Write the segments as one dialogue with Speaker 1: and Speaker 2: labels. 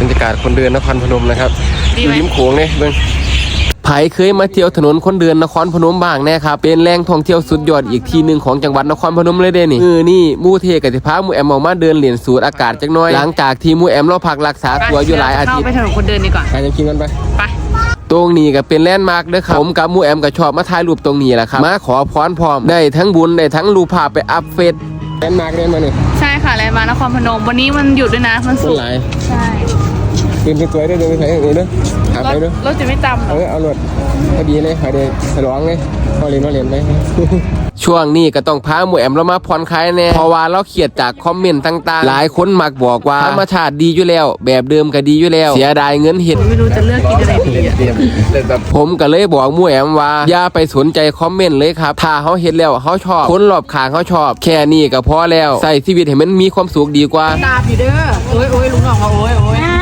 Speaker 1: บรรยากาศคนเดินนครพนมนะครับอยู่ริมโขงเนี่ยเบิ่งไผเคยมาเที่ยวถนนคนเดินนครพนมบ้างแน่ครับเป็นแหล่งท่องเที่ยวสุดยอดอีกที่หนึ่งของจังหวัดนครพนมเลยเด้นี่มู่เทกับสิพามู่แอมออกมาเดินเล่นสูดอากาศจักหน่อยหลังจากที่มู่แอมเราพักรักษาตัวอยู่หลายอาทิตย์
Speaker 2: เข้าไปถนนคนเดินดีกว่า
Speaker 1: ไปจะกินกันไป
Speaker 2: ตรง
Speaker 1: นี้ก็เป็นแลนด์มาร์คเด้อครับผมกับมู่แอมก็ชอบมาถ่ายรูปตรงนี้แหละครับมาขอพรพร้อมได้ทั้งบุญได้ทั้งรูปภาพไปอัพเฟซแลนด์มาร์คเดินมาเนี่ย
Speaker 2: ใช่ค่ะแลนด์มาร์คนครพนมวันนี้มันหยุดด้วยนะมันสุกใช่
Speaker 1: เป็นสวยๆด้วยเดินไปไหนอย่างนี้ด้วยหาไปด้วย
Speaker 2: รถจะไม่จำ
Speaker 1: เอารถพอดีเลยพอดีฉลองเลยพอเรียนไหมช่วงนี้ก็ต้องพาหมู่แอมเรามาผ่อนคลายแน่เพราะว่าเราเขียดจากคอมเมนต์ต่างๆหลายคนมักบอกว่าธรรมชาติดีอยู่แล้วแบบเดิมก็ดีอยู่แล้วเสียดายเงินเห็ด
Speaker 2: ไม่รู้จะเลือกกินอะไรดี
Speaker 1: ผมก็เลยบอกหมู่แอมว่าอย่าไปสนใจคอมเมนต์เลยครับถ้าเขาเห็นแล้วเขาชอบคนรอบข้างเขาชอบแค่นี้ก็พอแล้วใส่ชีวิตให้มันมีความสุขดีกว่า
Speaker 2: ตาพี่เด้อโอ้ยลุงน้องว่าโอ้ย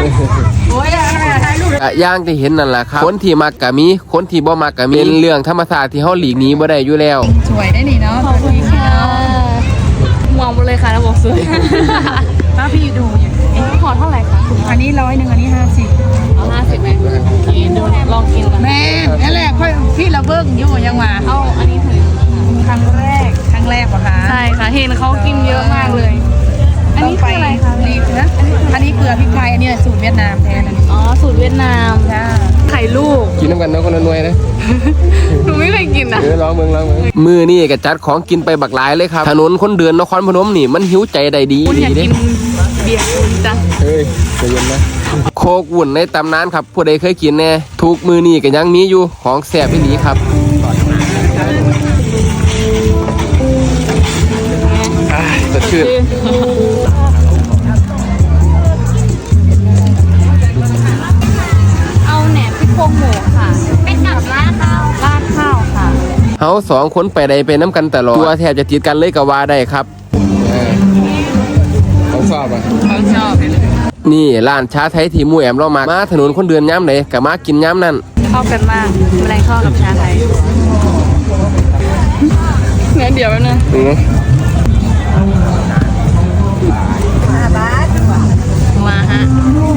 Speaker 1: ย่างที่เห็นนั่นแหละครับคนที่มักกะมีคนที่บ่มักกะมีเป็นเรื่องธรรมชาติที่เฮาหลีกหนีบ่ได้อยู่แล้ว
Speaker 2: สวยได้นี่เนาะขอบคุณค่ะมองไปเลยค่ะแล้วบอกสวยป้าพี่ดูขอเท่าไหร่คะ
Speaker 3: อันนี้100อันนี้50
Speaker 2: เอา50ไหมกินดูลองกินกัน
Speaker 3: แม่นั่นแหละค่อยพี่เราเบิ้งอยู่ยังมา
Speaker 2: เอาอันนี้ถึง
Speaker 3: ครั้งแรกป่ะคะ
Speaker 2: ใช่ค่ะเห็นเขากินเยอะมากเลยอันนี้คืออะไรคะ
Speaker 3: รีบนะอันนี้เกลือพริกไทยอันนี้สูตรเวียดนามแทน
Speaker 2: อ๋อสูตรเวียดนามไข่ลูก
Speaker 1: กินน้ำกันเนาะคนละหน่วยนะ
Speaker 2: หนูไม่เคยกินนะ
Speaker 1: ลองมือนี่ก็จัดของกินไปบักหลายเลยครับถนนคนเดินนครพนมนี่มันหิวใจได้ดี
Speaker 2: อยากกินเบียร์จัง
Speaker 1: เฮ้ยใจเย็นนะโคกวุ่นในตำนานครับผู้ใดเคยกินแน่ทุกมือนี่ก็ยังมีอยู่ของแซ่บอีหลีครับสดชื่น
Speaker 2: เอาแหนมพริกโป่งหมูค่ะเป็นกับราดข้าวค่ะ
Speaker 1: เฮาสองคนไปใดไปน้ำกันตลอดตัวแทบจะติดกันเลยก็ว่าได้ครับเขาชอบอ่ะ
Speaker 2: เขาชอบ
Speaker 1: นี่ร้านชาไทยที่หมู่แอมเรามาถนนคนเดินย้ำไหนกับมากินย้ำนั่น
Speaker 2: เข้ากันมากแมลงทอดกับชาไทยงั้นเดี๋ยวนะมาฮะ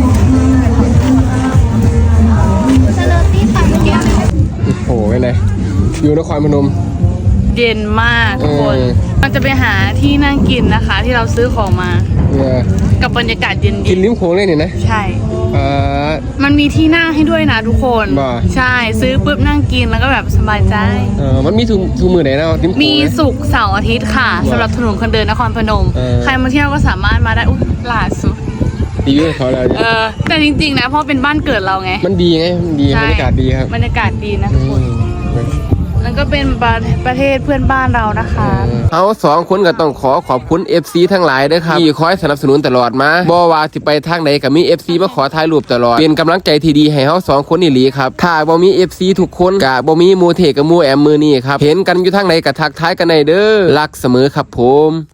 Speaker 1: โอ้โหไงอยู่นครพนม
Speaker 2: เย็นมากทุกคนมันจะไปหาที่นั่งกินนะคะที่เราซื้อของมากับบรรยากาศเย็น
Speaker 1: กินริมโขงเลยนี่นะ
Speaker 2: ใช่มันมีที่นั่งให้ด้วยนะทุกคนใช่ซื้อปุ๊บนั่งกินแล้วก็แบบสบายใจ
Speaker 1: มันมีทุกมือไหนนะ
Speaker 2: มีศุกร์เสาร์อาทิตย์ค่ะสำหรับถนนคนเดินนครพนมใครมาเที่ยวก็สามารถมาได้ล่าสุด
Speaker 1: ดีด้วยเขาแล้ว
Speaker 2: แต่จริงๆนะเพราะเป็นบ้านเกิดเราไง
Speaker 1: มันดีไงมันดีบรรยากาศดีครับ
Speaker 2: บรรยากาศดีนะทุกคนแล้วก็เป็นประเทศเพื่อนบ้านเรานะคะ
Speaker 1: เขาสองคนก็ต้องขอบคุณ FC ทั้งหลายด้วยครับที่คอยสนับสนุนตลอดมาบ่ว่าสิไปทางไหนก็มี FC มาขอถ่ายรูปตลอดเป็นกำลังใจที่ดีให้เขาสองคนนี่หลีครับถ้าบ่มี FC ทุกคนก็บ่มีหมู่เทกับหมู่แอมมือนี่ครับเห็นกันอยู่ทางไหนก็ทักทายกันได้เด้อรักเสมอครับผม